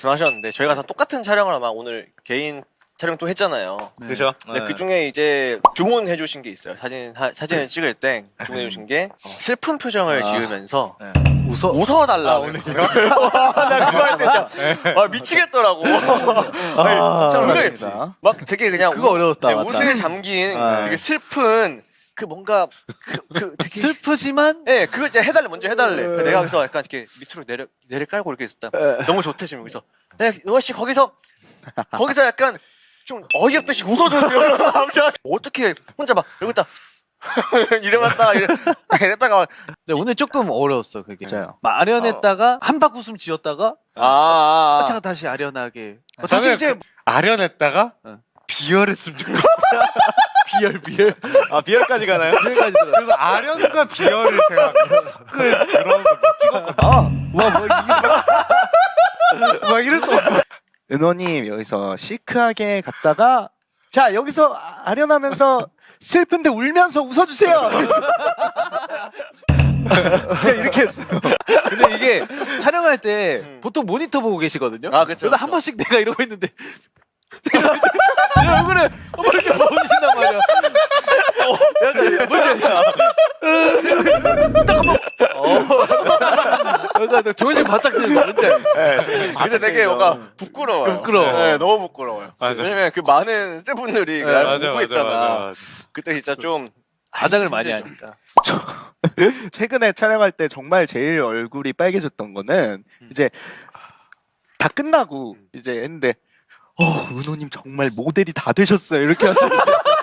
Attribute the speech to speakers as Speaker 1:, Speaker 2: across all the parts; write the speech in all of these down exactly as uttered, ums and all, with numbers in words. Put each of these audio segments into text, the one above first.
Speaker 1: 말씀하셨는데 저희가 다 똑같은 촬영을 아마 오늘 개인 촬영 또 했잖아요.
Speaker 2: 네.
Speaker 3: 그죠?
Speaker 1: 근데 그 중에 이제 주문해 주신 게 있어요. 사진 사, 사진을 찍을 때 주문해 주신 게 어, 슬픈 표정을
Speaker 2: 아.
Speaker 1: 지으면서
Speaker 2: 네.
Speaker 1: 웃어 웃어 달라.
Speaker 3: 아,
Speaker 1: 고 나 그거 할 때 진짜 아, 미치겠더라고.
Speaker 2: 아,
Speaker 1: 참
Speaker 2: 맞습니다.
Speaker 1: 그래. 막 되게 그냥
Speaker 2: 그거 어려웠다,
Speaker 1: 네,
Speaker 2: 맞다.
Speaker 1: 웃음에 잠긴
Speaker 2: 아.
Speaker 1: 되게 슬픈 그 뭔가 그, 그 되게
Speaker 2: 슬프지만
Speaker 1: 예, 네, 그거 이제 해달래 먼저 해달래.
Speaker 2: 네.
Speaker 1: 그 내가 거기서 약간 이렇게 밑으로 내려 내려 깔고 이렇게 있었다.
Speaker 2: 네.
Speaker 1: 너무 좋대 지금 여기서. 네, 의화 씨 거기서 거기서 약간 좀 어이없듯이 웃어줬어요. 어떻게 혼자 막 이러고 있다 이래봤다가 이래 이랬다가
Speaker 2: 네, 오늘 조금 어려웠어 그게.
Speaker 4: 맞아요.
Speaker 2: 막 아련했다가 한박 웃음 지었다가
Speaker 1: 아, 아, 아.
Speaker 2: 차가 다시 아련하게. 어,
Speaker 3: 저는
Speaker 2: 다시 이제
Speaker 3: 그 아련했다가
Speaker 2: 어.
Speaker 3: 비열했으면 좋겠어.
Speaker 2: 비열 비열
Speaker 4: 아 비열까지 가나요?
Speaker 2: 비열까지 들어.
Speaker 3: 그래서 아련과 비열을 제가 섞은 그런 거 찍었거든요.
Speaker 2: 와뭐 이게
Speaker 4: 막 이랬어. 은호님 여기서 시크하게 갔다가 자 여기서 아- 아련하면서 슬픈데 울면서 웃어주세요. 그냥 이렇게 했어요.
Speaker 2: 근데 이게 촬영할 때
Speaker 1: 음.
Speaker 2: 보통 모니터 보고 계시거든요.
Speaker 1: 아, 그쵸,
Speaker 2: 그러다 한
Speaker 1: 그쵸.
Speaker 2: 번씩 내가 이러고 있는데 내 얼굴에 한번 이렇게 보신단 말이야. 어, 약간 뭔지 알죠? 딱 한번 어, 약간 조금씩 바짝 들는 거 뭔지 알죠?
Speaker 1: 근데 되게 뭔가 부끄러워요.
Speaker 2: 부끄러워.
Speaker 1: 네, 너무 부끄러워요.
Speaker 3: 맞아.
Speaker 1: 왜냐면 그 많은 스태프분들이
Speaker 2: 네,
Speaker 1: 날
Speaker 3: 맞아,
Speaker 1: 보고
Speaker 3: 맞아,
Speaker 1: 있잖아.
Speaker 3: 맞아, 맞아.
Speaker 1: 그때 진짜 좀
Speaker 2: 가장을 많이
Speaker 1: 힘들죠.
Speaker 2: 하니까.
Speaker 4: 최근에 촬영할 때 정말 제일 얼굴이 빨개졌던 거는
Speaker 1: 음.
Speaker 4: 이제 다 끝나고 이제 했는데 어 은호님 정말 모델이 다 되셨어요 이렇게 하시는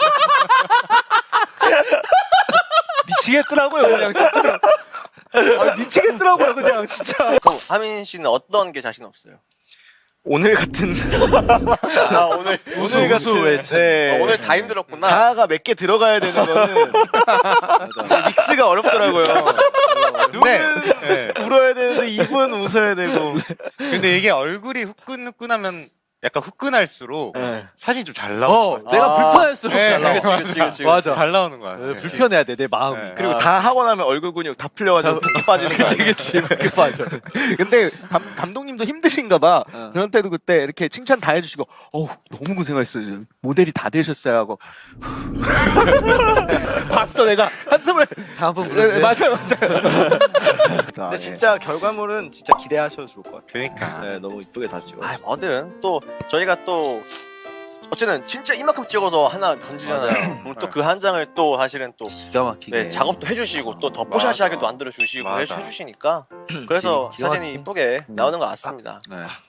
Speaker 4: 미치겠더라고요 그냥 진짜 아, 미치겠더라고요 그냥 진짜.
Speaker 1: 그럼 하민 씨는 어떤 게 자신 없어요?
Speaker 4: 오늘 같은
Speaker 1: 아 오늘
Speaker 2: 우수,
Speaker 4: 오늘
Speaker 2: 우수
Speaker 4: 같은
Speaker 2: 외쳐.
Speaker 4: 네.
Speaker 1: 어, 오늘 다 힘들었구나.
Speaker 4: 자아가 몇 개 들어가야 되는 거는 믹스가 어렵더라고요.
Speaker 3: 네.
Speaker 4: 눈은
Speaker 3: 네.
Speaker 4: 울어야 되는데 입은 웃어야 되고.
Speaker 3: 근데 이게 얼굴이 후끈후끈하면 약간 후끈할수록
Speaker 4: 네.
Speaker 3: 사진이 좀 잘
Speaker 2: 어,
Speaker 3: 나오는 거
Speaker 2: 내가
Speaker 1: 아.
Speaker 2: 불편할수록
Speaker 3: 네,
Speaker 2: 잘 나와.
Speaker 3: 그치,
Speaker 1: 그치, 그치, 그치.
Speaker 2: 맞아.
Speaker 3: 잘 나오는 거야.
Speaker 2: 네, 불편해야 돼 내 마음이.
Speaker 3: 네.
Speaker 4: 그리고
Speaker 1: 아.
Speaker 4: 다 하고 나면 얼굴 근육 다 풀려가지고 붓기 빠지는 거 아니야?
Speaker 2: 그치 그치 맞아.
Speaker 4: 근데 감, 감독님도 힘드신가 봐.
Speaker 2: 어.
Speaker 4: 저한테도 그때 이렇게 칭찬 다 해주시고 어우 너무 고생하셨어요. 모델이 다 되셨어요 하고 봤어 내가 한숨을.
Speaker 2: 다음번
Speaker 4: 네,
Speaker 2: 부르세요.
Speaker 4: 맞아요 맞아요.
Speaker 5: 근데 진짜 결과물은 진짜 기대하셔도 좋을 것 같아요.
Speaker 3: 그러니까.
Speaker 5: 네, 너무 이쁘게 다 찍었어요.
Speaker 1: 아 뭐든 또 저희가 또 어쨌든 진짜 이만큼 찍어서 하나 건지잖아요. 그럼 또 그 한 장을 또 사실은 또
Speaker 2: 기가 막히게.
Speaker 1: 네, 작업도 해주시고 또 더 뽀샤시하게도 만들어 주시고
Speaker 3: 맞아.
Speaker 1: 해주시니까 그래서
Speaker 2: 기가
Speaker 1: 사진이
Speaker 2: 막히게.
Speaker 1: 이쁘게 나오는 것 같습니다.
Speaker 2: 네.